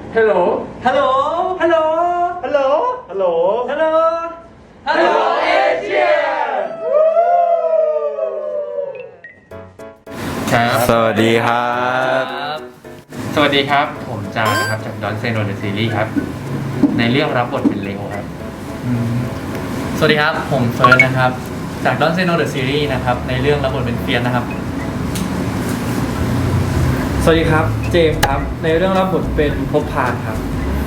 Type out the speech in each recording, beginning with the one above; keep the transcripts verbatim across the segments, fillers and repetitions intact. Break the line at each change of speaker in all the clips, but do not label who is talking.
ฮัลโหลฮัลโหลฮัลโหลฮัลโหลฮัลโหลฮัลโหลฮัลโหลเอเชียครับ
สวัสดีครับ
สวัสดีครับผมจานะครับจากดอนเซโนเดอะซีรีส์ครับในเรื่องรับบทเป็นเลโอครับ
สวัสดีครับผมเฟิร์สนะครับจาก Don't Say No The Series นะครับในเรื่องรับบทเป็นเฟียสนะครับ
สวัสดีครับเจมส์ครับในเรื่องรับบทเป็นภพพานครับ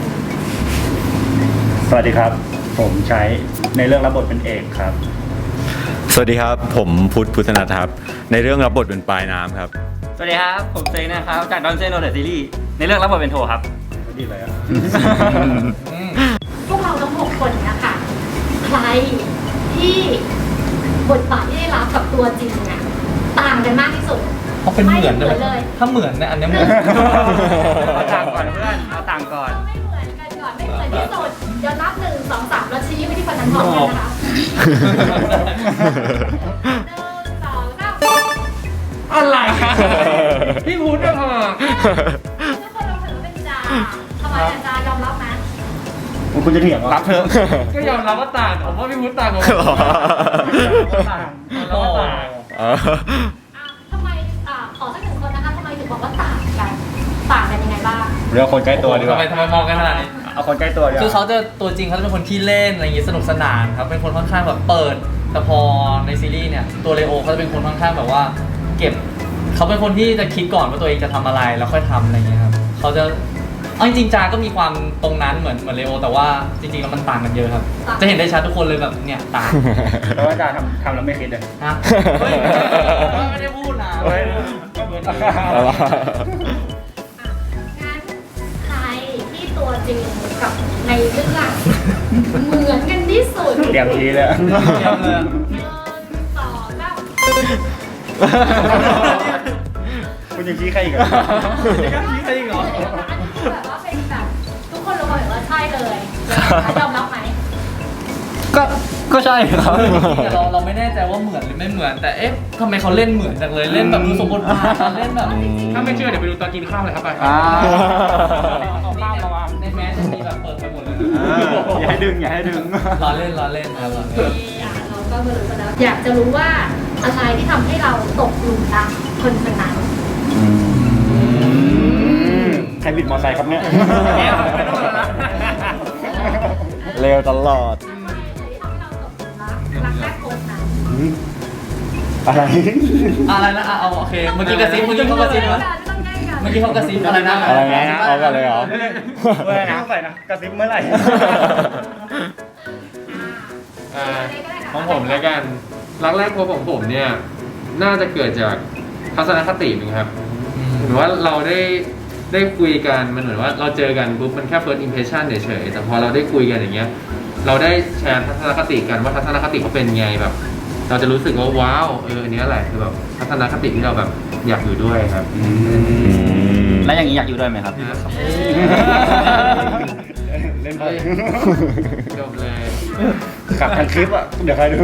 สวัสดีครับผมใช้ในเรื่องรับบทเป็นเอกครับ
สวัสดีครับผมพุทธพุทธนัทครับในเรื่องรับบทเป็นปลายน้ำครับ
สวัสดีครับผมเซนนะครับจาก Don't Say No The Series ในเรื่องรับบทเป็นโทครับ
ดีเลยอ่ะ
พวกเราทั้งหกคนนะคะใครที่บทบาทที่ได้รับกับตัวจริงน่ะต่างกันมากที่สุด
เขาเป็นเหมือน
ไม่
เลย
เลย
ถ้าเหมือนเนี่ยอันนี้เหมือน
เอาต่างก่อนเพื่อนเอาต่างก่อน
ไม่เหมือนกันก่อนไม่เหมือนที่สุดเดี๋ยวนับหนึ่งสองสามแล้วชี้ไปที่คนนั้นพร้อมกันนะคะหนึ่งสองสาม
อะไรพี่พูดไม่พอ
ทุกคนลองถือว่าเป็นจาทำไมอาจารย์ยอมรับไหม
คุณจะเถียงเหรอ
รับเถอะ
ก็ยอมรับว่าต่างผมว่าพี่พูดต่างกับผมต่างเราก็ต่าง
ทำไมอ่าขอสักหนึ่งคนนะคะทำไมถึงบอกว่าต่างกันต่างกันยังไงบ้าง
เรื่องคนใกล้ตัวดีกว่า
ทำไมทำไมมองกันขนาดนี้
เอาคนใกล้ตัวดีกว่า
คือเขาจะตัวจริงเขาจะเป็นคนขี้เล่นอะไรอย่างงี้สนุกสนานครับเป็นคนค่อนข้างแบบเปิดแต่พอในซีรีส์เนี่ยตัวเลโอเขาจะเป็นคนค่อนข้างแบบว่าเก็บเขาเป็นคนที่จะคิดก่อนว่าตัวเองจะทำอะไรแล้วค่อยทำอะไรอย่างเงี้ยครับเขาจะเอาจริงๆจาก็มีความตรงนั้นเหมือนเหมือนเลโอแต่ว่าจริงๆแล้วมันต่างกันเยอะครับจะเห็นได้ชัดทุกคนเลยแบบเนี่ยต่าง
เพราะว่าจาทำทำแล้วไม่คิดเลย
ฮะเฮ้ยไม่ได้พูดนะ
เฮ้ย
งั้นใครที่ตัวจริงกับในเรื่องเหมือนกันที่สุด
เตรียมทีเลย
เยี่ยมเลย
หนึ่งสองสาม
คุณยังชี้ใครอีกเหรอ
ใช่จริงเหรอ
อันนี้คือแบบว่าเป็นแบบทุกคนรู้เลยว่าใช่เลยยอมรับไหม
ก็ก็ใช่ครับ
แต่เราเราไม่แน่ใจว่าเหมือนหรือไม่เหมือนแต่เอ๊ะทำไมเขาเล่นเหมือนจังเลยเล่นแบบดูสมบูรณ์แบบเล่นแบบ
ถ้าไม่เชื่อเดี๋ยวไปดูตอนกินข้าวเลยครับไป
อ่า
เอาข้าวมาวางในแมสจะมีแบบเปิดไปหมดเลย
อย่าให้ดึงอย่าให้ดึง
ล้อเล่นล้อเล่นครับล้อเล่น
เราก็มารู้กันแล้วอยากจะรู้ว่าอะไรที่ทำให้เราตกหลุมรักคนคนนั้น
ใครบิดมอเตอร์ไซค์ครับเนี่ย
เร็วตลอด
อะไรที่ทำให้เราตกหลุมรักรักแรกพบนั้น
อะไร
อะไรนะอ่ะเอาโอเคเมื่อกี้กระซิบเมื่อกี้เขากระซิบนะเมื่อกี้เขากระซิบอะไรนะ
อะไรนะเอากันเลยเหรอ
เมื่อไหร่นะใส่นะกระซิบเมื่อไหร่
อ่าของผมแล้วกันรักแรกพบของผมเนี่ยน่าจะเกิดจากทัศนคติมั้งครับหรือว่าเราได้ได้คุยกันมันเหมือนว่าเราเจอกันปุ๊บมันแค่ first impression เฉยๆแต่พอเราได้คุยกันอย่างเงี้ยเราได้แชร์ทัศนคติกันว่าทัศนคติเขาเป็นไงแบบ เราจะรู้สึกว่าว้าวเอออันนี้แหละคือแบบทัศนคติที่เราแบบอยากอยู่ด้วยครับ
แล้วอย่างนี้อยากอยู่ด้วยไหมครับ
เล่นไป
จบเลย
กลับทางคลิปอ่ะเดี๋ยวใครดู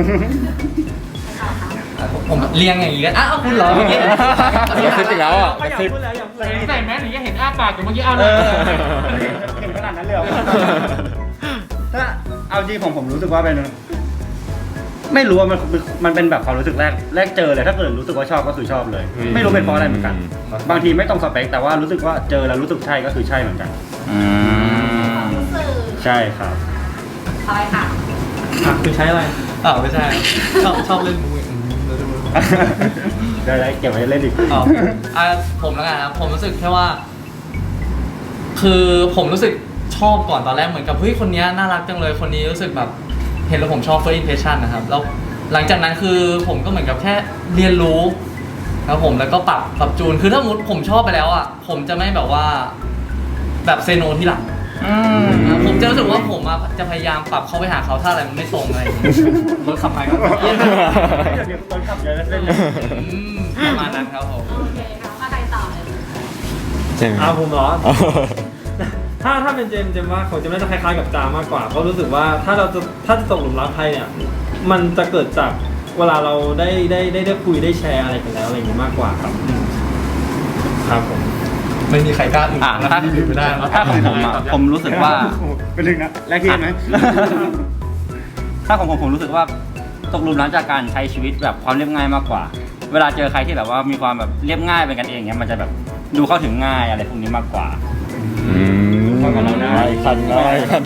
ผมเรียงอย่างนี้กันอ้าวคุณเหรอเมื่อกี้
กระซิบอีกแล้วอ่ะกระซิบ
ใส่แมสถึงจะเห็นอ้าปากอยู่เมื่อกี้เอาเลย
เห็นขนาดนั้นเลยเหรอถ้าเอาจริงผมผมรู้สึกว่าเป็นไม่รู้ว่ามันมันเป็นแบบความรู้สึกแรกแรกเจอเลยถ้าเกิดรู้สึกว่าชอบก็คือชอบเลย ไม่รู้เป็นเพราะอะไรเหมือนกัน บางทีไม่ตรงสเปคแต่ว่ารู้สึกว่าเจอแล้วรู้สึกใช่ก็คือใช่เหมือนกัน
อืม
ความรู้สึก
ใช่ครับ
คอยค่ะ
อ่ะคุณใช้อะไร
อ้าวไม่ใช่ชอบชอบเล่นมูอืมเราดู
ได้ได้เก็บไว้เล่นอีก
อ๋ออ่ะผมแล้วกันครับผมรู้สึกแค่ว่า คือผมรู้สึกชอบก่อนตอนแรกเหมือนกับเฮ้ยคนนี้น่ารักจังเลยคนนี้รู้สึกแบบเห็นแล้วผมชอบ first impression นะครับแล้วหลังจากนั้นคือผมก็เหมือนกับแค่เรียนรู้ครับผมแล้วก็ปรับปรับจูนคือถ้ามุดผมชอบไปแล้วอ่ะผมจะไม่แบบว่าแบบเซโนที่หลัง
อืม
ผมจะรู้สึกว่าผมอะจะพยายามปรับเข้าไปหาเขาถ้าอะไรมันไม่ตรงอะไรอย่างเงี้ยรถขับไปครับ
เดี๋ยวเดี๋ยวต้นขับเยอะเล่นเลย
อืมประมาณนั้นครับผม
โอเคค่ะมาใครต่อเลย
ใช่ไหม
อ้าวผมเหรอ ถ้าถ้าเป็นเจมส์เจมส์ว่าของเจมส์น่าจะคล้ายๆกับจามากกว่าเพราะรู้สึกว่าถ้าเราจะถ้าจะตกหลุมรักใครเนี่ยมันจะเกิดจากเวลาเราได้ได้ได้ได้คุยได้แชร์อะไรกันแล้วอะไรอย่างนี้มากกว่าครับอืมครับผม
ไม่มีใครกล้าอื่น
อ่ะ
แล้ว
ถ้า
อื่นไม่ได้แล้ว
ถ้าของผมอ่ะผมรู้สึกว่า
เป็นหนึ่งนะแรกที่ไหม
ถ้าของผมผมรู้สึกว่าตกหลุมรักจากการใช้ชีวิตแบบความเรียบง่ายมากกว่า เวลาเจอใครที่แบบว่ามีความแบบเรียบง่ายเป็นกันเองเนี้ยมันจะแบบดูเข้าถึงง่ายอะไรพวกนี้มากกว่า
อืม
เข้ากับเราได้
คันได้คัน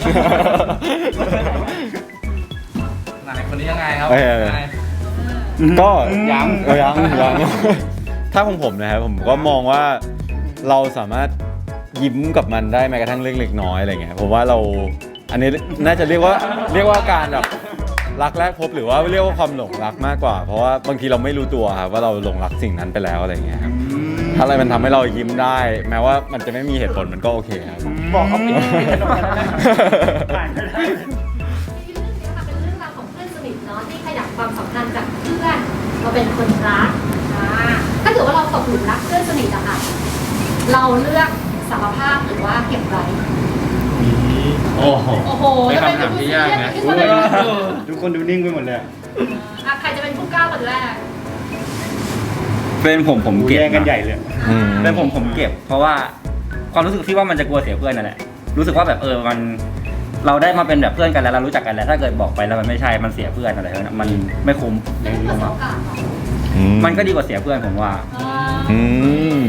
ไหนคนนี้ยังไงครับ
เออ
ยังไง
ก็
ยัง
เออยังยังถ้าของผมนะครับผมก็มองว่าเราสามารถยิ้มกับมันได้แม้กระทั่งเรื่องเล็กน้อยอะไรเงี้ยผมว่าเราอันนี้น่าจะเรียกว่าเรียกว่าการแบบรักแรกพบหรือว่าเรียกว่าความหลงรักมากกว่า เพราะว่าบางทีเราไม่รู้ตัวครับว่าเราหลงรักสิ่งนั้นไปแล้วอะไรเงี้ยครับถ้าอะไรมันทำให้เรายิ้มได้ แม้ว่ามันจะไม่มีเหตุผลมันก็โอเคครับ
บอกเขาปิดปิดกระจกกันแล้วนะอ่านไม่ได้
ในเรื่องนี้ค่ะเป็นเรื่องราวของเพื่อนสนิทเนาะที่ขยับความสัมพันธ์จากเพื่อนมาเป็นคนรักอ่าถ้าเกิดว่าเราตกหลุมรักเพื่อนสนิทอะค่ะเราเลือกสารภาพหรือว่าเก็บไว้
โอ้โห
โอ้โห
เป็น
จะเป็น
คำถามที่ยากนะ
ทุกคนเลยนะ
ทุกคนดูนิ่งไปหมดเลยอะ
อ่ะใครจะเป็นผู้กล้าคนแรก
เป็นผมผม
ดู
เก็บ
แย่งกัน
นะ
ใหญ่เลย
อืม
เป็นผมผมเก็บ เพราะว่าความรู้สึกที่ว่ามันจะกลัวเสียเพื่อนนั่นแหละรู้สึกว่าแบบเออมันเราได้มาเป็นแบบเพื่อนกันแล้วเรารู้จักกันแล้วถ้าเกิดบอกไปแล้วมันไม่ใช่มันเสียเพื่อนอะไรแบบนั้นมันไม่คุ้ม
ไม่ได้เปิดโอกาสหรอ
อืม
มันก็ดีกว่าเสียเพื่อนผมว่า
อืม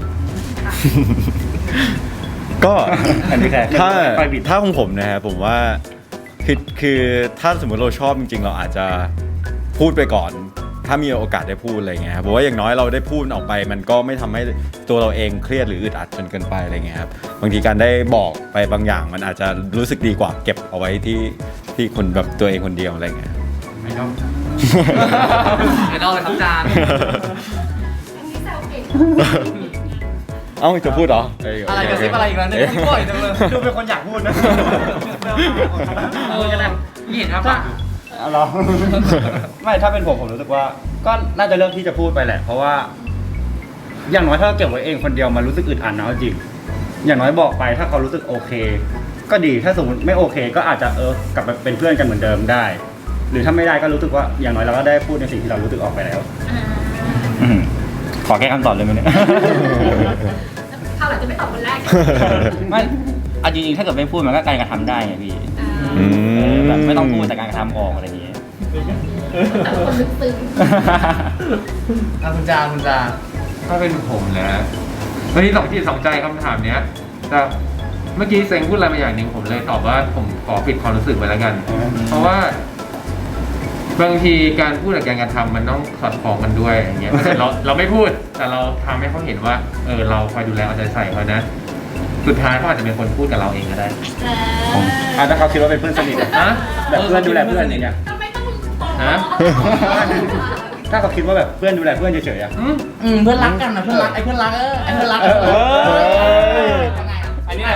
ก็
อันนี้แค่
ถ้า
ไฟบิด
ถ้าของผมนะครับผมว่าคือคือถ้าสมมติเราชอบจริง ๆ เราอาจจะพูดไปก่อน ถ้ามีโอกาสได้พูดอะไรเงี้ยครับเพราะว่าอย่างน้อยเราได้พูดออกไป มันก็ไม่ทำให้ตัวเราเองเครียดหรืออึดอัดจนเกินไปอะไรเงี้ยครับบางทีการได้บอกไปบางอย่าง มันอาจจะรู้สึกดีกว่าเก็บเอาไว้ที่ที่คนแบบตัวเองคนเดียวอะไรเงี้ย
ไม่ต้อง
ไอดอลเลยครับจาน
อันนี้แซวเก่ง
เอ้าจะพูดเหรอ
อะไรกระซิบอะไรอีกแล้วเนี่ยบ่อยจังเลย
ดูเป็นคนอยากพูดนะ
เออกันนะนี่เห็นครับปะ
เอาเหรอ ไม่ถ้าเป็นผมผมรู้สึกว่า ก็น่าจะเลือกที่จะพูดไปแหละ เพราะว่า อย่างน้อยถ้าเราเก็บไว้เองคนเดียวมันรู้สึกอึดอัดนะเอาจริงอย่างน้อยบอกไปถ้าเขารู้สึกโอเค ก็ดีถ้าสมมติไม่โอเค ก็อาจจะเออกลับไปเป็นเพื่อนกันเหมือนเดิมได้ หรือถ้าไม่ได้ก็รู้สึกว่าอย่างน้อยเราก็ได้พูดในสิ่งที่เรารู้สึกออกไปแล้ว
อ่า
อืมขอแก้คำตอบเลยไหมเนี่ย
คราวหลังจะไม่ตอบคนแรก
ไม่เอาจริงๆถ้าเกิดไม่พูดมันก็การกระทำได้ไงพี่
อืม
เออแบบไม่ต้องพูดแต่การกระทำออกอะไรอย่างเงี้ย
แต่คนลึกซึ้ง
อ่ะคุณจานคุณจาน
ถ้าเป็นผมนะวันนี้สองที่สองใจคำถามเนี้ย แต่เมื่อกี้เซ็งพูดอะไรมาอย่างหนึ่งผมเลยตอบว่าผมขอปิดความรู้สึกไว้แล้วกัน เพราะว่า บางทีการพูดกับการกระทำมันต้องสอดคล้องกันด้วยอย่างเงี้ยเราเราไม่พูดแต่เราทำให้เขาเห็นว่า เออเราคอยดูแลเอาใจใส่เขานะสุดท้ายเขาอาจจะเป็นคนพูดกับเราเองก็ได้
ผมอ่ะถ้าเขาคิดว่าเป็นเพื่อนสนิทอะ
ฮะ
แบบเพื่อนดูแลเพื่อนอย่างเงี้ย
ทำไมต้อง
ฮะ
ถ้าเขาคิดว่าแบบเพื่อนดูแลเพื่อนเฉยๆอะ
อืม
อืมเพื่อนรักกันนะเพื่อนรักไอ้เพื่อนรักเออไอ้เพื่อนรัก
เออเออ
ยังไงอ่ะ
อันนี้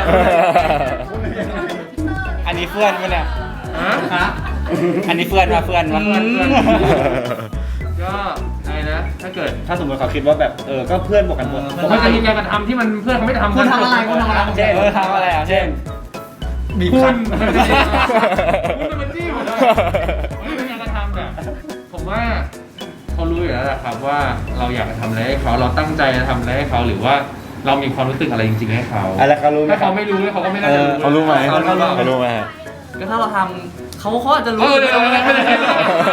อันนี้เพื่อนมั้ยเนี่ย
ฮะ
ฮะ
อันนี้เพื่อนมาเพื่อนมา
เพื่อนเพื่อนก็อะไรนะ ถ้าเกิด
ถ้าสมมติเขาคิดว่าแบบเออก็เพื่อนบอกกันหมด
ผมว่าจะมีการกระทำที่มันเพื่อนเขาไม่ทำ
คุณทำอะไรคุณทำอะไร
เช่น
เออทำอะไรอ่ะ
เช่น
บีบ
คุ
คั
ณ
น
คุณเป็นจี้ผมเลยผมเป็นการกระทำแบบผมว่าเขารู้อยู่แล้วแหละครับว่าเราอยากจะทำอะไรให้เขาเราตั้งใจจะทำอะไรให้เขาหรือว่าเรามีความรู้สึกอะไรจริงๆให้เขา
อะไรเขารู้ไหม
ถ้า
ครั
เขา
บ
ไม่รู้เขาก็ไม่น่าจะรู้
เขารู้ไหม
เขารู้เปล่า
เขารู้ไหมฮะ
ก็ถ้าเราทำเขาเขาอาจจะรู้
เออเดี๋ยวไม่ได้ไม่ได้ไม่ได้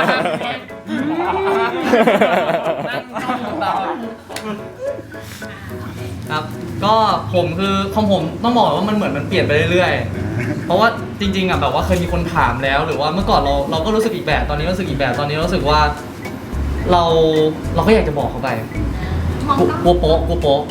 ครับ ก็ผมคือของผมต้องบอกว่ามันเหมือนมันเปลี่ยนไปเรื่อยๆ เพราะว่าจริงๆอ่ะแบบว่าเคยมีคนถามแล้ว หรือว่าเมื่อก่อนเราเราก็รู้สึกอีกแบบตอนนี้รู้สึกอีกแบบตอนนี้รู้สึกว่า เราเราก็อยากจะบอกเขาไป
มอง
กลัวโป๊ะกลัวโป๊ะ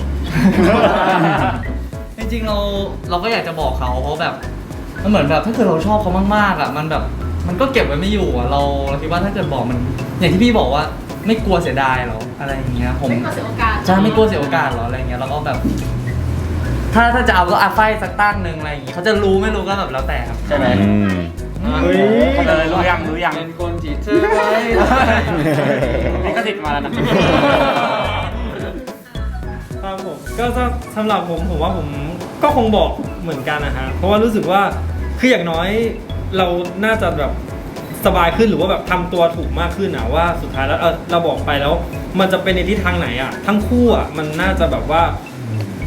จริงๆเราเราก็อยากจะบอกเขาเพราะแบบมันเหมือนแบบถ้าเกิดเราชอบเขามากๆอ่ะมันแบบมันก็เก็บไว้ไม่อยู่อ่ะเราเราคิดว่าถ้าเกิดบอกมัน อย่างที่พี่บอกว่าไม่กลัวเสียดายหรออะไรอย่างเงี้ยผม
ไม่กลัวเสียโอกาส
ใช่ไม่กลัวเสียโอกาสหรออะไรเงี้ยแล้วก็แบบ ถ้าถ้าจะเอาก็อาไฟสักตั้งหนึ่งอะไรอย่างงี้เขาจะรู้ไม่รู้ก็แบบแล้วแต่ครับ
ใช่ไหม
อืม
เฮ้ย
เขาเลยรู้ยังรู้ยัง
เป็นคนจีบเธอไว้
นี่ก็ติดมาแล้วนะ
ครับผมก็สำหรับผมผมว่าผมก็คงบอกเหมือนกันนะฮะเพราะว่ารู้สึกว่าคืออย่างน้อยเราน่าจะแบบสบายขึ้นหรือว่าแบบทำตัวถูกมากขึ้นนะว่าสุดท้ายแล้วเออเราบอกไปแล้ว มันจะเป็นในทิศทางไหนอ่ะทั้งคู่อ่ะมันน่าจะแบบว่าแบบ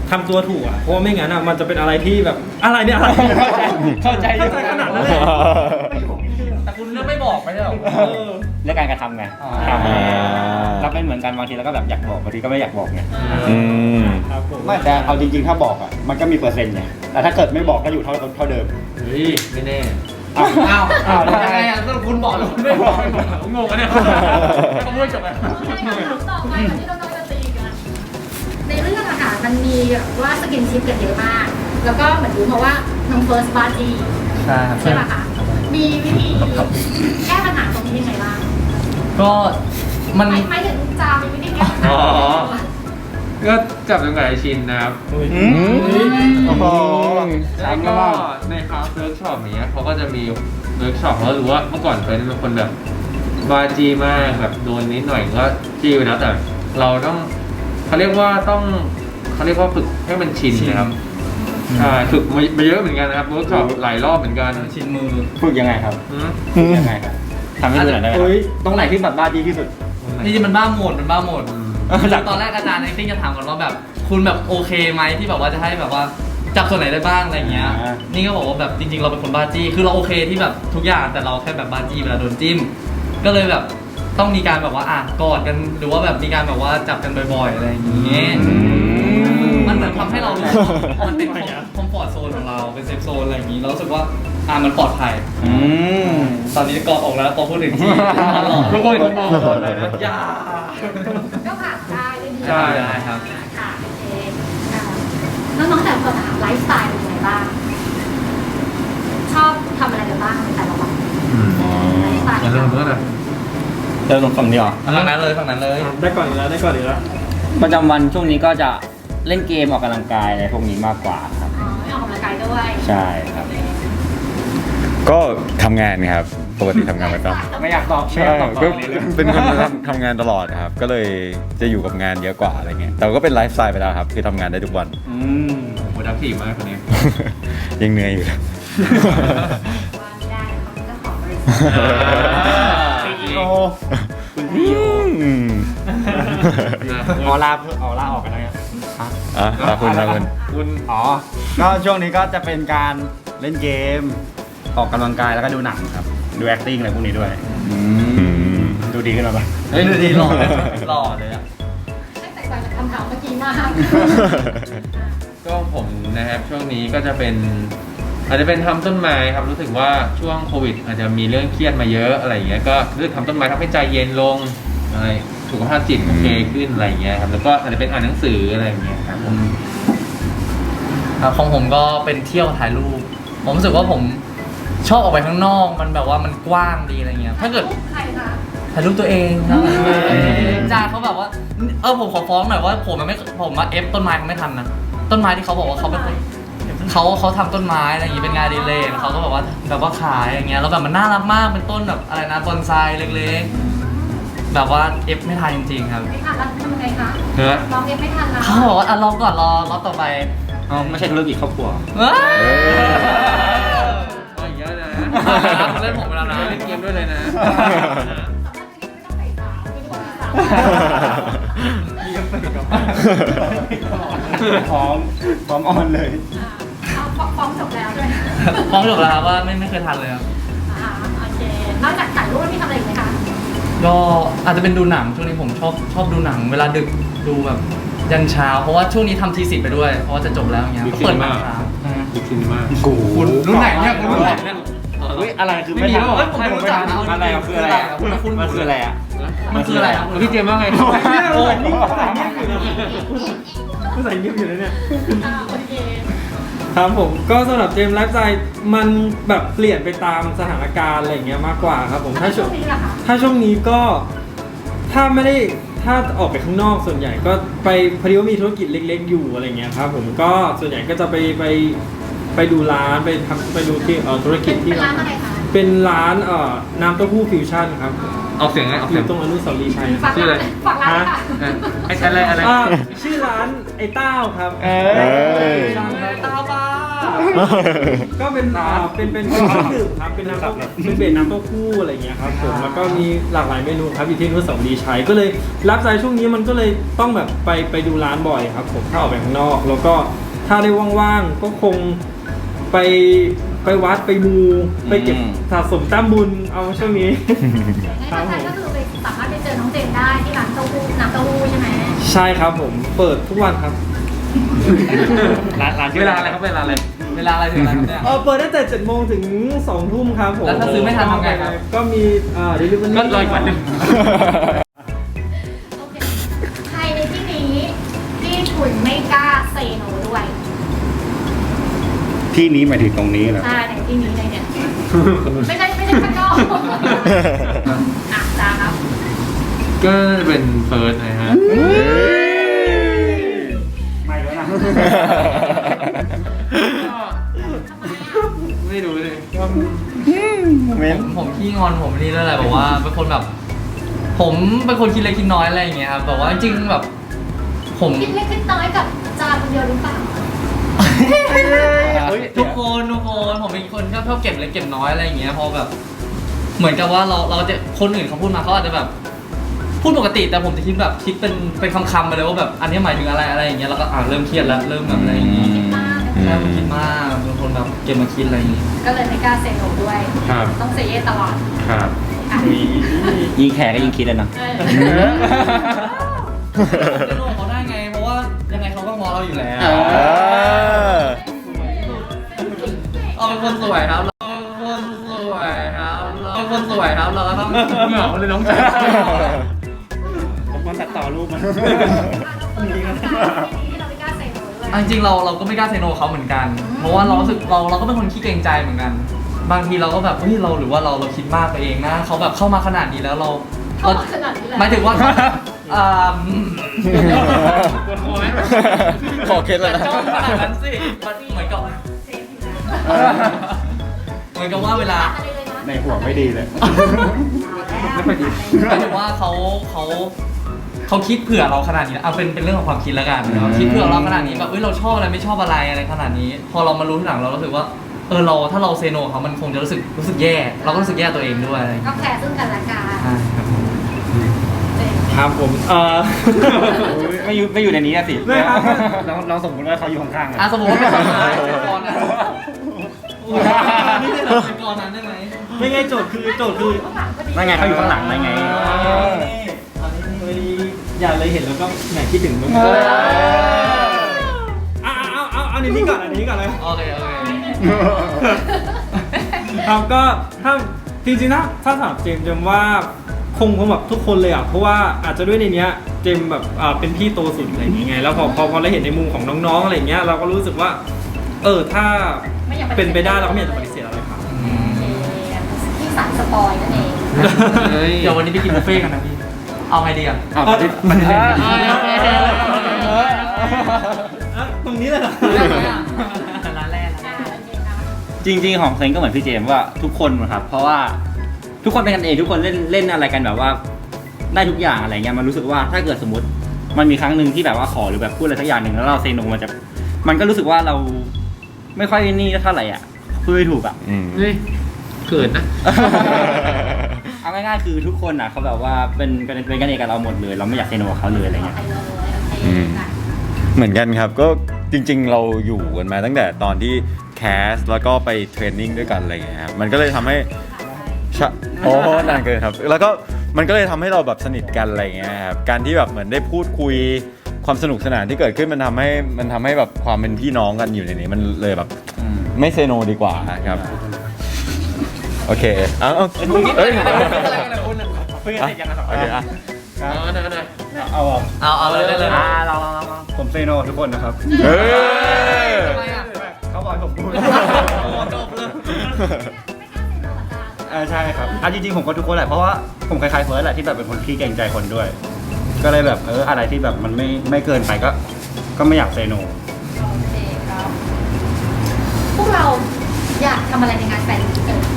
ทำตัวถูกอ่ะเพราะว่าไม่งั้นอ่ะมันจะเป็นอะไรที่แบบอะไรเนี่ยอะไร
เข้าใจ
เข้าใจขนาดนั้นเลย
แต่คุณเลือกไม่บอกไม่ใช่หรอ
เออ
เรื่องการกระทำไง
อ๋อ
อ่าเราเป็นเหมือนกันบางทีเราก็แบบอยากบอกบางทีก็ไม่อยากบอกไง
อืม
ครับผม
ไม่แต่เอาจริงๆถ้าบอกอ่ะมันก็มีเปอร์เซ็นต์ไงแต่ถ้าเกิดไม่บอกก็อยู่เท่าเท่าเดิม
เฮ้ยไม่แน่
อ้าว
อ้าว
อ้าวแล้ว
ยัง
ไง
ไงอ่ะต้องคุณบอกแล้วคุณไม่บอกผมงงอะเนี่ยต้องพูดจบไหม
ต่อไปก่อนที่เราจะตีกันในเรื่องอาหารมันมีแบบว่าสกินชิปกันเยอะมาก แล้วก็เหมือนรู้มาว่าน้องเฟิร์สบาร์จี
ใช่ครับ
ใช่ป่ะคะมีวิธีแก้ปัญหาตรงนี้ยังไงบ้าง
ก็มัน
ไม่ไม่ถึงจามีวิธีแก้ปัญหา
อ๋อ ก็จับจังหวะชินนะครับ
อืมโอ้โห
แล้วก็ในคลาสเวิร์กช็อปเนี้ยเขาก็จะมีเวิร์กช็อปเขารู้ว่าเมื่อก่อนเคยเป็นคนแบบบาจีมากแบบโดนนิดหน่อยก็จีไปแล้วแต่เราต้องเขาเรียกว่าต้องเขาเรียกว่าฝึกให้มันชินนะครับใช่ฝึกมาเยอะเหมือนกันนะครับเวิร์กช็อปหลายรอบเหมือนกัน
ชินมือ
ฝึกยังไงครับ
อืม
ฝึกยังไงครับทำให้ดูหน่อยได้ไหมครับ
เฮ้ย
ตรงไหนที่แบบบ้าดีที่สุด
จริงๆมันบ้าโหมดมันบ้าโหมด
เออจาก
ตอนแรกอาจารย์ acting จะถามก่อนว่าแบบคุณแบบโอเคไหมที่แบบว่าจะให้แบบว่าจับส่วนไหนได้บ้างอะไรเงี้ย
อ่า
นี่ก็บอกว่าแบบจริงๆเราเป็นคนบ้าจี้คือเราโอเคที่แบบทุกอย่างแต่เราแค่แบบบ้าจี้เวลาโดนจิ้มก็เลยแบบต้องมีการแบบว่าอ่ะกอดกันหรือว่าแบบมีการแบบว่าจับกันบ่อยๆอะไรอย่างเงี้ยมันเหมือนทำให้เรารู้สึกว่ามันเป็นคอมฟอร์ทโซนของเราเป็นเซฟโซนอะไรอย่างงี้เรารู้สึกว่าอ่ะมันปลอดภัย
อืม
ตอนนี้กอดออกแล้วพอพูดถึงจี้ตลอด
ทุกคนมองหมดเลยนะ
อย่า
ก็ผ่านได้ด้วยดี
ใช่
ได้ครับ
ค่ะโอเคค่ะน้องๆแต่ละคนอะไลฟ์สไตล์เป็นยังไงบ้าง ชอบทำอะไรกันบ้างในแต่ละวันไลฟ์สไตล์
อย่าลืมเพื่อนนะ
เริ่มตรงฝั่งนี้เหรอ
ฝั่งนั้นเลยฝั่งนั้นเลย
ได้ก่อนอีกแล้วได้ก่อนอีกแล้ว
ประจำวันช่วงนี้ก็จะเล่นเกมออกกำลังกายอะไรพวกนี้มากกว่าครับ
อ๋อไม่ออกกำลังกายด้วย
ใช่ครับ
ก็ทำงานครับปกติทำงานประจ
ไม่อยากตอบ
ำ
ไม่อยากตอบ
ก็
ตอบนี้เลย
เป็นคนทำทำงานตลอดครับ ก็เลยจะอยู่กับงานเยอะกว่าอะไรเงี้ยแต่ก็เป็นไลฟ์สไตล์ไปแล้วครับคือทำงานได้ทุกวัน
อืม
โปรดักทีฟมากคนนี้
ยังเหนื่อยอยู่เลย
ว่าไม่ได้เขาเป็นเจ้าของบริษัท
ซีอีโอคุณซีอีโอ
อืม
ออลาออลาออกกันแล้วเนี่ย
อ่ะขอบคุณครับคุณ
คุณ
อ๋อ ก็ช่วงนี้ก็จะเป็นการเล่นเกม ออกกำลังกายแล้วก็ดูหนังครับ ดู acting อะไรพวกนี้ด้วย
อืม
ดูดีขึ้นมาปะ
เฮ้ยดูดีหล่อเลยหล่อเลยอ่ะ
ไม่แตกต่างจากคำถามเมื่อกี้มาก
ก็ผมนะครับช่วงนี้ก็จะเป็น อาจจะเป็นทำต้นไม้ครับรู้สึกว่าช่วงโควิด อาจจะมีเรื่องเครียดมาเยอะอะไรอย่างเงี้ยก็รู้สึกทำต้นไม้ทำให้ใจเย็นลงอะไรสุขภาพจิตโอเคขึ้นอะไรอย่างเงี้ยครับแล้วก็อาจจะเป็นอ่านหนังสืออะไรอย่างเงี้ยครับผม
ครับของผมก็เป็นเที่ยวถ่ายรูป ผมรู้สึกว่าผมชอบออกไปข้างนอก มันแบบว่ามันกว้างดีอะไรเงี้ย ถ้าเกิด
ใครคะ
ถ่ายรูปตัวเองครับจ้าเขาแบบว่า เออผมขอฟ้องหน่อยว่าผมมันไม่ผมมาเอฟต้นไม้เขาไม่ทันนะ ต้นไม้ที่เขาบอกว่าเขาเป็นคนเขาเขาทำต้นไม้อะไรอย่างงี้เป็นงานอดีเลยเขาก็แบบว่าแบบว่าขายอย่างเงี้ยแล้วแบบมันน่ารักมากเป็นต้นแบบอะไรนะบอนไซเล็กๆ แบบว่าเอฟไม่ทันจริงๆครับ
ไม่ทันแล้วทำยังไงคะ
นะ
ร้องเอฟไม่ทันแล้ว
เขาบอกว่าอ่ะรอก่อนรอรอบต่อไป
อ๋อไม่ใช่ธุรกิจครอบครัว
เอ้ย
ก็อย่างเงี้ยนะ
เล่นผมไปแล้วนะ
เล่นเกมด้วยเลยนะ
สำหรับไม่ต้องใส่สาวไม่ต้องมีสาว
พร้อมพร้อมออนเลย
อ่าเอาฟ้องจบแล้วด้วย
ฟ้องจบแล้วครับว่าไม่ไม่เคยทันเลยครับ
อ่าโอเคนอกจากถ่ายรูปมีทำอะไรอีกไหมคะ
ก็อาจจะเป็นดูหนังช่วงนี้ผมชอบชอบดูหนัง เวลาดึกดูแบบยันเช้า เพราะว่าช่วงนี้ทำทีสิทธิ์ไปด้วย เพราะว่าจะจบแล้วอย่างเงี้ย
Big
ก็เปิดหนัง
Cinema
เช้าอืม
บิ๊กซินมาก
คุณรุ่นไหนเนี่ยคุณรุ่นไหนเนี่ย
เฮ้ยอะไรคือ
ไม่
ไม่
มี
ทัน
แล้วเหรอเฮ้ยผมไม่รู้จักนะ
อะไรอ่ะคืออะไรอ่ะ
คุณคุณ
มันคืออะไรอ่ะ
มันคืออะไรครับ
พี่เจมส์ว่าไง
โอ้ย
โอ้
ภาษาอังกฤษอยู่นะเนี่ย
อ่าโอเค
ครับผมก็สำหรับเจมส์ไลฟ์สไตล์มันแบบเปลี่ยนไปตามสถานการณ์อะไรอย่างเงี้ยมากกว่าครับผมถ้าช่วง
นี้ล่ะคะ
ถ้าช่วงนี้ก็ถ้าไม่ได้ถ้าออกไปข้างนอกส่วนใหญ่ก็ไปพอดีว่ามีธุรกิจเล็ก ๆ อยู่อะไรเงี้ยครับผมก็ส่วนใหญ่ก็จะไปไปไปดูร้านไปทำไปดูที่เอ่อธุรกิจที่
เป็นร้านอะไรคะ
เป็นร้านเอ่อน้ำเต้าหู้ฟิวชั่นครับ
ออกเสียงไงออก
อ
เสียง
ยู่ตรงอนุสาวรีย์ชัย
ฝากร้านฝากร้านค่ะ
อ่ะไอ้อะไรอะไร
อ่าชื่อร้านไอ้เต้าครับ
เอ้ย
ฟิวชั่นครับ
ตาบ้า
ก็เป็นอ่าเป็นเป็นเป็นเครื่องดื่มครับเป็นน้ำเต้าเป็นเบสน้ำเต้าหู้อะไรอย่างเงี้ยครับผมแล้วก็มีหลากหลายเมนูครับอยู่ที่อนุสาวรีย์ชัยก็เลยรับใจช่วงนี้มันก็เลยต้องแบบไปไปดูร้านบ่อยครับผมถ้าออกไปข้างนอก แล้วก็ถ้าได้ว่างๆก็คงไปไปวัดไปมูไปเก็บสะสมแต้มบุญเอาช่วงนี้
งั้นแฟนๆก็คือไปสามารถไปเจอน้องเจนได้ที่ร้านเต้าหู้น้ำเต้าหู้ใช่ไหม
ใช่ครับผมเปิดทุกวันครับ
ร้านร้านชื่
เว
อ
ลาอะไรครับเวลาอะไร
เวลาอะไรถึงอะไรครับเนี่ย
เออเปิดตั้งแต่เจ็ดโมงถึงสองทุ่มครับผม
แล้วถ้าซื้อไม่ทันทำไงครับ
ก็มีอ่า delivery
ก็รออีกวันหนึ่ง
โอเคใครในที่นี้ที่คุณไม่กล้าเซโนด้วย
ที่นี้หมายถึงตรงนี้เหรอ
ใช่ในที่นี้เลยเนี่ยไม่ใช่ไม่ใช่ข้างนอกอ่ะจ้าครับ
ก็เป็นเฟิร์สนะฮะ
ไม่แล้วนะ
ไม่รู้เลยก็
ผมผมขี้งอนผมนี่ด้วยแหละแบบว่าเป็นคนแบบ ผมเป็นคนคิดเล็กคิดน้อยอะไรอย่างเงี้ยครับแบบว่าจริงๆแบบ ผม
คิดเล็กคิดน้อยกับจาคนเดียวหรือเปล่า
ทุกคนทุกคนผมเป็นคนชอบชอบเก็บเล็กเก็บน้อยอะไรอย่างเงี้ยพอแบบ เหมือนกับว่าเราเราจะคนอื่นเขาพูดมาเขาอาจจะแบบ พูดปกติแต่ผมจะคิดแบบคิดเป็นเป็นคำๆไปเลยว่าแบบอันนี้หมายถึงอะไรอะไรอย่างเงี้ยแล้วก็อ่าเริ่มเครียดแล้วเริ่มแบบอะไรอย่างงี้
คิดมาก
ใช่ผมคิดมากเป็นคนแบบเก็บมาคิดอะไรอย่างงี้
ก็เลยไม่กล้าเซโนด้วย
ครับ
ต้องเซเยสตลอด
ครับ
อ่ะ
ยิงแขกก็ยิงคิดเลยนะ
เออ
ไม่รู้เขาได้ไงเพราะว่ายังไงเขาก็มองเราอยู่แล้ว
เออ
เราเป็นคนสวยครับเราเป็นคนสวยครับเราเป็นคนสวยครับเราก็ต้องเหงาเลยน้องชาย
ผมควรตัดต่อรูปมัน
ที่เราไม่กล้าเซโนด้วย
จริงๆเราเราก็ไม่กล้าเซโนเขาเหมือนกัน เพราะว่าเรารู้สึกเราเราก็เป็นคนขี้เกรงใจเหมือนกัน บางทีเราก็แบบเฮ้ยเราหรือว่าเราเราคิดมากไปเองนะเขาแบบเข้ามาขนาดนี้แล้วเรา
เข้า
เรา
มาขนาดนี้แล้ว
หมายถึงว่าเขาอ่า
ขอเคล็ดเลยนะ
จ้องขนาดนั้นสิมันเหมือนกับเหมือนกับว่าเวลา
อะไรเลยนะ
ในหัวไม่ดีเลย
ไม่ค่อยดี
หมายถึงว่าเขาเขาเขาคิดเผื่อเราขนาดนี้เอาเป็นเป็นเรื่องของความคิดแล้วกันนะครับคิดเผื่อเราขนาดนี้แบบเอ้ยเราชอบอะไรไม่ชอบอะไรอะไรขนาดนี้ พอเรามารู้ทีหลังเรารู้สึกว่าเออเราถ้าเราเซโนเขามันคงจะรู้สึกรู้สึกแย่ เราก็รู้สึกแย่ตัวเองด้วยอะไรอย่าง
ก็
เงี้ย
แคร์ซึ่งกันและกัน
ใช่ครับผม
ครับผมเออ
ไม่อยู่ไม่อยู่ในนี้อะสิ
ไม่ครับ
เราเราสมมติว่าเขาอยู่ข้างๆ
อ่ะ
อะ
สมมติว่าเป็นก่อนนะเป็นก่อนนะนี่จะเป็นก่อนนั้นได้ไหม
ไม่ไงโจทย์คือโจทย์คือ
นั่นไงเขาอยู่ข้างหลังนั่นไง
อย่าเลยเห็นแล้วก็แหมคิดถึงมึง
เออ
เอาเอาเอาเอาอันนี้ก่อนอันนี้ก่อนเลย
โอเคโอเค
ครับก็ถ้าจริงๆนะถ้าถามเจมส์เจมส์ว่าคงคงแบบทุกคนเลยอ่ะเพราะว่าอาจจะด้วยในเนี้ยเจมส์แบบอ่าเป็นพี่โตสุดอะไรอย่างเงี้ยแล้วพอพอพอเราเห็นในมุมของน้องๆอะไรอย่างเงี้ยเราก็รู้สึกว่า เออถ้าเป็นไปได้เราก็ไม่อยากจะปฏิเสธอะไรครับ
ที่สารสปอยนั่นเอง
เฮ้ย
เดี๋ยววันนี้ไปกินบุฟเฟ่ต์กันนะพี่ เอาไงดีอ่ะ
เอาปฏิปฏิเสธไม่ดี
อ่ะตรงนี้เลยเหรอ
ได้ไหมอ่ะร้านแรก
อ่าโอเคนะ
จริงๆของเซนก็เหมือนพี่เจมส์ว่าทุกคนนะครับ เพราะว่าทุกคนเป็นกันเองทุกคนเล่นเล่นอะไรกันแบบว่า ได้ทุกอย่างอะไรเงี้ยมันรู้สึกว่าถ้าเกิดสมมติ มันมีครั้งหนึ่งที่แบบว่าขอหรือแบบพูดอะไรสักอย่างหนึ่งแล้วเราเซโนมันจะมันก็รู้สึกว่าเราไม่ค่อยนี่เท่าไหร่อ่ะพูดไม่ถูกอ่ะ
อืม
เฮ้ยเขินนะ
เอาง่ายๆคือทุกคนอ่ะเขาแบบว่าเป็นเป็นเป็นกันเองกับเราหมดเลย เราไม่อยากเซโนกับเขาเลยอะไรเงี้ย
ไปเลยโอเค
อืม
ค่ะ
เหมือนกันครับก็จริงๆเราอยู่กันมาตั้งแต่ตอนที่แคสแล้วก็ไปเทรนนิ่งด้วยกันอะไรอย่างเงี้ยครับมันก็เลยทำให้ชะโอ้นานเกินครับ แล้วก็มันก็เลยทำให้เราแบบสนิทกันอะไรอย่างเงี้ยครับการที่แบบเหมือนได้พูดคุยความสนุกสนานที่เกิดขึ้นมันทำให้มันทำให้แบบความเป็นพี่น้องกันอยู่ในนี้มันเลยแบบไม่เซโนดีกว่าครับโอเคเอาเอาเอ้ย
เพิ่งจะเสร็จยังไงสอง
โอเคอ่ะ
เอาหน่อยเอาหน่อย
เอาอ่ะ
เอาเอาเลยได้เลย
อ่าเราเราเราเรา
ผมเซโนทุกคนนะครับ
เฮ้ย
ทำไมอ่ะ
เขาบอกให้ผมพูด
จบเลย
อ่าใช่ครับอ่ะจริงๆผมก็ทุกคนแหละเพราะว่าผมคล้ายๆเฟิร์สแหละที่แบบเป็นคนขี้เกรงใจคนด้วย ก็เลยแบบเอออะไรที่แบบมันไม่ไม่เกินไปก็ก็ไม่อยากเซโน
โอเคครับ พวกเราอยากทำอะไรในงานแฟนมิตเกิด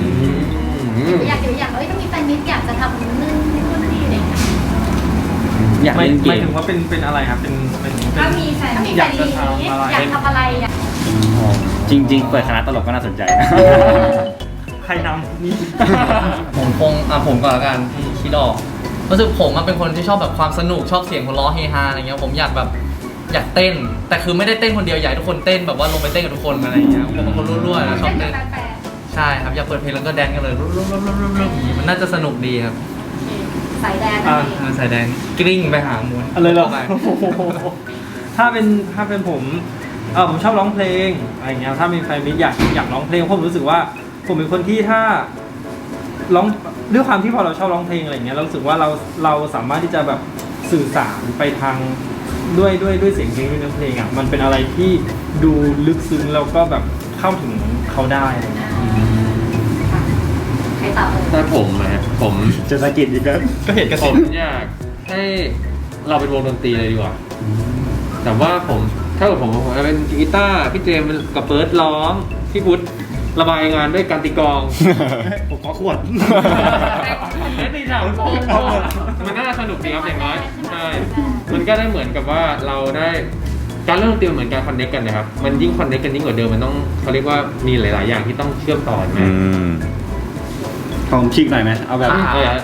อยากเดี๋ยวอยากเอ้ยถ้ามีแฟนมิตอยากจะทำนู่นนี่นู่นนี่อะไรอย่างเงี้ย
อยาก
ไม่
เล่นเก
ไม่
ม
ถึงว่าเป็นเป็นอะไรครับเป็นเป็นเป็น
ถ้ามีแฟนถ้ามีแฟนดีนี้
อยากจะทำอะไร
อยากทำอะไรอยาก
จริง ๆ เปิดคณะตลกก็น่าสนใจนะ
ใครนำนี่
ผมคงอ่ะผมก่อนละกันที่คิดออกรู้สึกผมอะเป็นคนที่ชอบแบบความสนุกชอบเสียงหัวเราะเฮฮาอะไรเงี้ยผมอยากแบบอยากเต้น แต่คือไม่ได้เต้นคนเดียวอยากให้ทุกคนเต้นแบบว่าลงไปเต้นกับทุกคนอะไรอย่างเงี้ยผมเป็นคนรั่วๆนะชอบเต้น
แฟน
ใช่ครับอยากเปิดเพลงแล้วก็แดนกันเลยรุ่มๆๆๆๆอย่างงี้มันน่าจะสนุกดีครับ
สายแดนนั่นเอง
เออใส่แดนกลิ้งไปหาม้วน
อะไรเหรอ
ข้าไป
ถ้าเป็นถ้าเป็นผมเออผมชอบร้องเพลงอะไรอย่างเงี้ยถ้ามีแฟนมิตรอยากอยากร้องเพลงเพราะผมรู้สึกว่าผมเป็นคนที่ถ้าร้องด้วยความที่พอเราชอบร้องเพลงอะไรอย่างเงี้ยเรารู้สึกว่าเราเราสามารถที่จะแบบสื่อสารไปทางด้วยด้วยด้วยเสียงเพลงด้วยเนื้อเพลงอ่ะมันเป็นอะไรที่ดูลึกซึ้งแล้วก็แบบเข้าถึงเขาได้อะไรอย่างเงี้ย
ใครตอบเลย
ถ้าผมนะผม
จะสะกิดอีกแล้ว
ก็เห็นกระ
ผ
สิ
มอยากให้เราเป็นวงดนตรีเลยดีกว่า แต่ว่าผมถ้าเกิดผมผมจะเป็นกีตาร์พี่เจมส์กับเบิร์ดร้องพี่พุทธระบายงานด้วยการตีกลอง
ผมขอขวด
เล่นตีถามโค้งมันน่าสนุกดีครับอย่างน้อยใช่มันก็ได้เหมือนกับว่าเราได้การเล่นดนตรีเหมือนการคอนเนคกันนะครับมันยิ่งคอนเนคกันยิ่งกว่าเดิมมันต้องเขาเรียกว่ามีหลาย ๆ อย่างที่ต้องเชื่อมต่อกัน
อื
นะ
ม
ผมชิกหน่อยไหมเอาแบบ
เออ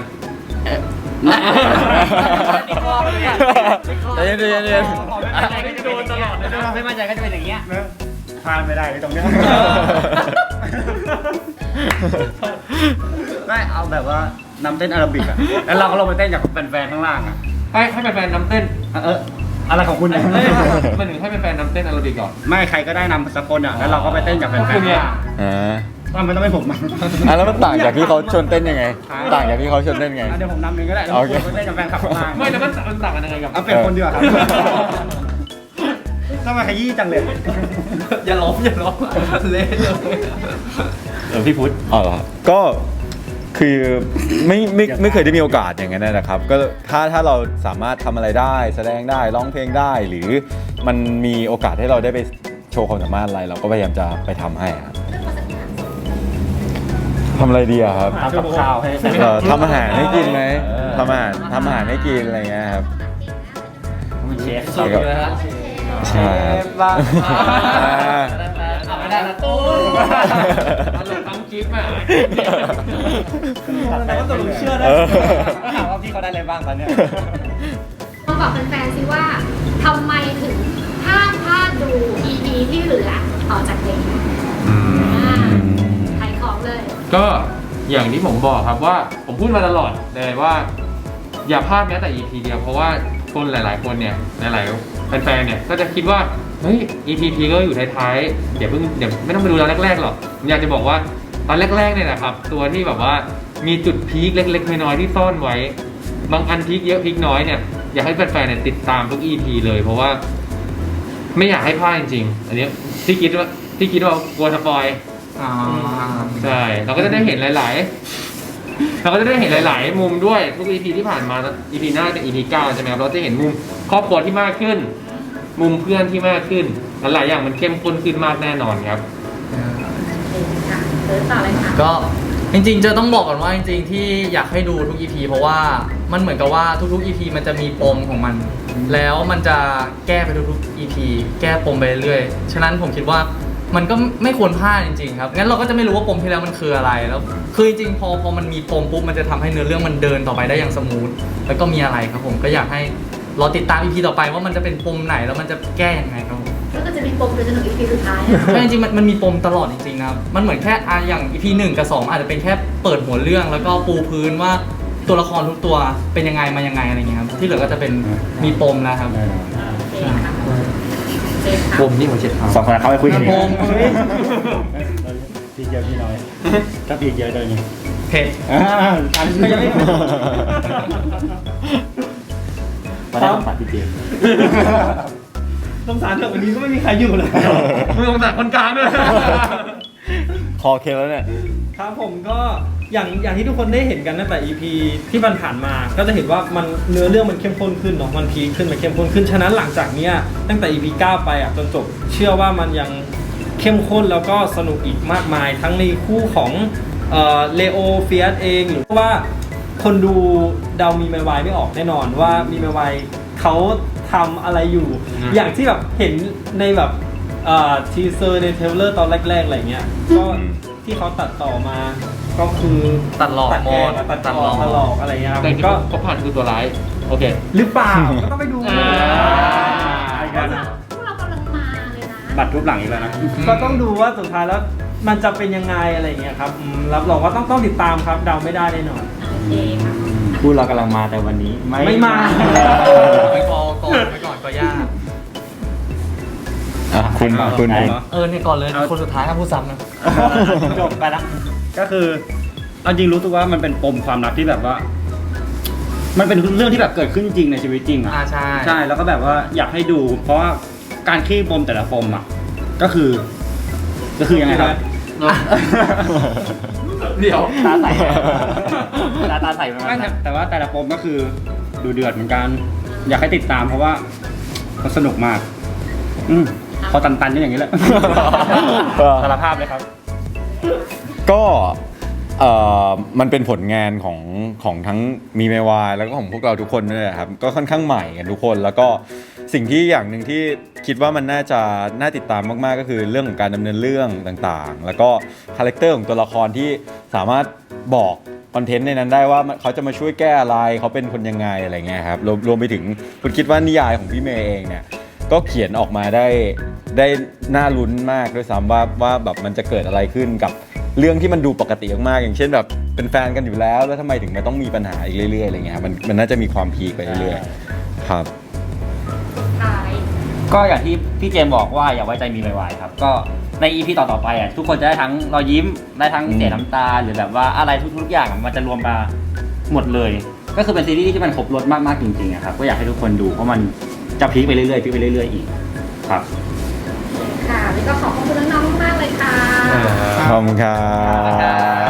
ใจเย็นใจเย็นใจเย็น
ไม่มั่นใจก็จะเป็นอย่างเงี้ย
พลาดไม่ได้เลยตรงเนี้ยไม่เอาแบบว่านำเต้นอาราบิกอะแล้วเราก็ลงไปเต้นกับแฟนๆข้างล่างอะ
ให้ให้แฟนๆนำเต้น
เอออะไรของคุณเนี่ย
เอ้ยมันถึงให้แฟนๆนำเต้นอาราบิกก่อน
ไม่ใครก็ได้นำสักคนอะแล้วเราก็ไปเต้นกับแฟนๆข้างล่าง
อ่า
ว่ามันต้องเป็นผมมั้ง
อ่ะแล้วมันต่างจากที่เขาชวนเต้นยังไง ต่างจากที่เขาชวนเต้นไง
อ่ะเดี๋ยวผมนำเองก็ได้แล้ว
โอเค
ผมไปเต้นกับแฟนคลับข้างล่าง
ไม่แล้วมันมันต่างกันยังไงกับ
เอาเป็นคนเดียวาครับทำไมขยี้จังเลย
อย่าล้มอย่าล้มเละเลย
เออพี่พุทธ
อ๋อเหรอครับก็คือไม่ไม่ไม่เคยได้มีโอกาสอย่างนั้นนะครับ ก็ถ้าถ้าเราสามารถทำอะไรได้ แสดงได้ร้องเพลงได้ หรือมันมีโอกาสให้เราได้ไปโชว์ความสามารถอะไร เราก็พยายามจะไปทำให้ครับทำอะไรดีอะครับ
ทำกับข้าวให้
เอ่อทำอาหารให้กินไหมทำอาหารทำอาหารให้กินอะไรเงี้ยครับ
เป็นเชฟ
สุดเลยฮะ
ใช่ครับ
เอาไม่ได้นะตู้
ตลกทั้งคลิปอ่ะ
แต่ว่าตกลงเชื่อได้
เออ
ถามว่าพี่เขาได้อะไรบ้างตอนเนี้ย
มาบอกแฟนๆซิว่าทำไมถึงห้ามพลาดดู อี พี ที่เหลือต่อจากนี้ขายของเลย
ก็อย่างที่ผมบอกครับว่าผมพูดมาตลอดเลยว่า อย่าพลาดแม้แต่ อี พี เดียวเพราะว่าคนหลาย ๆ คนเนี่ยหลายๆแฟนๆเนี่ยก็จะคิดว่าเฮ้ย อี พี พีก็อยู่ท้ายๆเดี๋ยวเพิ่งเดี๋ยวไม่ต้องไปดูตอนแรกๆหรอกผมอยากจะบอกว่าตอนแรกๆเนี่ยนะครับตัวที่แบบว่ามีจุดพีคเล็กๆน้อยๆที่ซ่อนไว้บางอันพีคเยอะพีคน้อยเนี่ยอยากให้แฟนๆเนี่ยติดตามทุก อี พี เลยเพราะว่าไม่อยากให้พลาดจริงๆอันนี้ที่คิดว่าที่คิดว่ากลัวสปอย
อ่า
ใช่เราก็จะได้เห็นหลาย ๆ เราก็จะได้เห็นหลาย ๆ มุมด้วยทุก อี พี ที่ผ่านมา อี พี หน้าเป็น อี พี เก้าใช่ไหมครับเราจะเห็นมุมครอบครัวที่มากขึ้น มุมเพื่อนที่มากขึ้นหลายๆอย่างมันเข้มข้นขึ้นมากแน่นอนครับ
ค่ะเดินต่อเลยค่ะ
ก็จริงๆจะต้องบอกก่อนว่าจริงๆที่อยากให้ดูทุก อี พี เพราะว่ามันเหมือนกับว่าทุกๆ อี พี มันจะมีปมของมัน แล้วมันจะแก้ไปทุกๆ อี พี แก้ปมไปเรื่อยๆฉะนั้นผมคิดว่ามันก็ไม่ควรพลาดจริงๆครับงั้นเราก็จะไม่รู้ว่าปมที่แล้วมันคืออะไรแล้วคือจริงๆพอพอมันมีปมปุ๊บมันจะทำให้เนื้อเรื่องมันเดินต่อไปได้อย่างสมูทแล้วก็มีอะไรครับผมก็อยากให้รอติดตาม อี พี ต่อไปว่ามันจะเป็นปมไหนแล้วมันจะแก้ยังไงครับผม
แล้วก็จะมีปมไปจนถึง อี พี สุดท้าย
แต่จริงๆมันมันมีปมตลอดจริงๆนะครับมันเหมือนแค่อ่ะอย่าง อี พี หนึ่งกับสองอาจจะเป็นแค่เปิดหัวเรื่องแล้วก็ปูพื้นว่าตัวละครทุกตัวเป็นยังไงมายังไงอะไรเงี้ยครับที่เหลือก็จะเป็นมีปมแล้วครับ
โอเคค่ะเจมส์ค่ะ
ปมนี่หัวเช็ดเท้า
สองคนนั้นเขาไปคุยกัน
ปม
พี่เยอะพี่น้อยถ้าพี่เยอะเลยนี่
เผ็ด
อ่าอันนี้ก็ยังไม่
มาได้ของฝากพี่เจมส์
สงสารเถอะวันนี้ก็ไม่มีใครอยู่เลย
มึงสงสารคนกลางด้วย
คอเคแล้วเนี่ย
ครับผมก็อย่างอย่างที่ทุกคนได้เห็นกันตั้งแต่ อี พี ที่มันผ่านมา ก็จะเห็นว่ามันเนื้อเรื่องมันเข้มข้นขึ้นเนาะมันพีคขึ้นมันเข้มข้นขึ้นฉะนั้นหลังจากเนี้ยตั้งแต่ อี พี เก้าไปอ่ะจนจบเชื่อว่ามันยังเข้มข้นแล้วก็สนุกอีกมากมาย ทั้งในคู่ของเอ่อเลโอเฟียสเองหรือว่าคนดูเดามีไมวายไม่ออกแน่นอนว่ามีไมวายเขาทำอะไรอยู่
อืม
อย่างที่แบบเห็นในแบบทีเซอร์ในเทรลเลอร์ตอนแรกๆอะไรเงี้ยก็ที่เขาตัดต่อมาก็คือ
ตัดหลอก
ตัดแกง
หมด
ตัด
ตัด
ห
ห
ล
ล
อ
อก ก
ตัดหลอกอะไรเงี้ยครับ
แต่จริง
ก็
ๆเขาผ่านคือตัวร้ายโอเค
หรือเปล่าก็ต้องไปดู
อ่า
พวกเรากำลังมาเลยนะ
บัตรรูปหลังอีกแล้วนะ
ก็ต้องดูว่าสุดท้ายแล้วมันจะเป็นยังไงอะไรเงี้ยครับอืมรับรองว่าต้องต้องติดตามครับเดาไม่ได้แน่นอน
โอเคค่ะ
พูดเรากำลังมาแต่วันนี้ไม่
ไม่มา
ไปกอก่อนไปก่อนก็ยาก
อ่ะคุณคุณคุณ
เออเนี่ยก่อนเลยคนสุดท้ายห้ามพูดซ้ำนะ
จบไปละก็คือเอาจริงรู้ตัวว่ามันเป็นปมความรักที่แบบว่า มันเป็นเรื่องที่แบบเกิดขึ้นจริงในชีวิตจริงอ่ะ
อ่าใช่
ใช่แล้วก็แบบว่าอยากให้ดู เพราะว่าการคลี่ปมแต่ละปมอ่ะก็คือ ก็คือยังไงครับ
เดี๋ยว
ตาใสตาตาใสประมาณ
ไม่
นั้น
แต่ว่าแต่ละปมก็คือดูเดือดเหมือนกัน อยากให้ติดตามเพราะว่ามันสนุกมาก อืมพอตันๆก็อย่างนี้แหละ สารภาพเลยครับ
ก็เอ่อมันเป็นผลงานของของทั้งมีเมวายแล้วก็ของพวกเราทุกคนด้วยนะครับก็ค่อนข้างใหม่กันทุกคนแล้วก็สิ่งที่อย่างหนึ่งที่คิดว่ามันน่าจะน่าติดตามมากๆก็คือเรื่องของการดำเนินเรื่องต่างๆ แล้วก็คาแรคเตอร์ของตัวละครที่สามารถบอกคอนเทนต์ในนั้นได้ว่าเขาจะมาช่วยแก้อะไรเขาเป็นคนยังไงอะไรเงี้ยครับรวมรวมไปถึงคุณคิดว่านิยายของพี่เมย์เองเนี่ยก็เขียนออกมาได้ได้น่าลุ้นมากด้วยซ้ำว่าว่าแบบมันจะเกิดอะไรขึ้นกับเรื่องที่มันดูปกติมากๆอย่างเช่นแบบเป็นแฟนกันอยู่แล้วแล้วทำไมถึงมันต้องมีปัญหาอีกเรื่อยๆอะไรเงี้ยครับมันมันน่าจะมีความพีคไปเรื่อยๆครับ
ท้าย
ก็อย่างที่พี่เจมส์บอกว่าอย่าไว้ใจมีไวๆครับ ก็ใน อี พี ต่อๆไปอ่ะทุกคนจะได้ทั้งรอยยิ้มได้ทั้งเสียน้ำตาหรือแบบว่าอะไรทุกๆอย่างอะมันจะรวมมาหมดเลย ก็คือเป็นซีรีส์ที่มันครบรสมากๆจริงๆอะครับก็อยากให้ทุกคนดูเพราะมันจะพีคไปเรื่อยๆพีคไปเรื่อยๆอีกครับ
ค่ะแล้วก็ขอบคุณน้องๆมากๆเลยค่ะ
ขอบคุณครับ